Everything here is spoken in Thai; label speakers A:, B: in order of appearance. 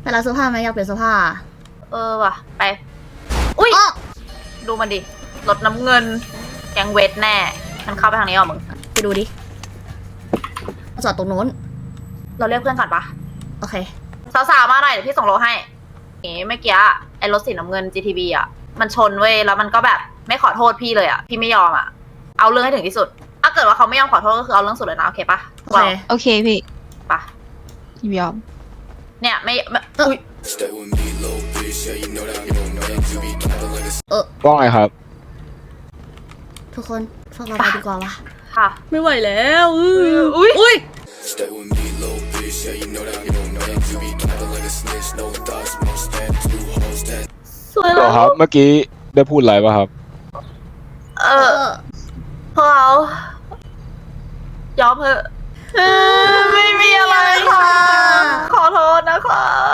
A: ไปร้านเสื้อผ้าไหมอยากเปลี่ยนเสื้อผ้า
B: ว่ะไปอุ้ย
A: อ้อ
B: ดูมันดิรถน้ำเงินแกงเวทแน่มันเข้าไปทางนี้เหรอมึง
A: ไปดูดิจอดตรงนู้น
B: เราเรียกเพื่อนก่อนปะ
A: โอเค
B: สาวๆมาหน่อยเดี๋ยวพี่ส่งโลให้เมื่อกี้ไอ้รถสีน้ำเงิน GTB อ่ะมันชนเว้ยแล้วมันก็แบบไม่ขอโทษพี่เลยอ่ะพี่ไม่ยอมอ่ะเอาเรื่องให้ถึงที่สุดถ้าเกิดว่าเขาไม่ยอมขอโทษก็คือเอาเรื่องสุดเลยนะโอเคปะ
A: โอเค
C: โอเคพี่
B: ปะ
C: ยอม
B: เนี่ยไม่อุ้ย
D: ว่าไงครับ
A: ทุกคนพวกเราไปดีกว่าวะ
B: ค่ะ
A: ไม่ไหวแล้ว
B: อุ้ย
A: อุ้ย
B: สวย
D: เหร
B: แล้
D: อ
B: ว
D: ครับ เมื่อกี้ได้พูดอะไรป่ะครับ
B: พวกเรายอมเถอะไม่มีอะไรค่ะขอโทษนะคะ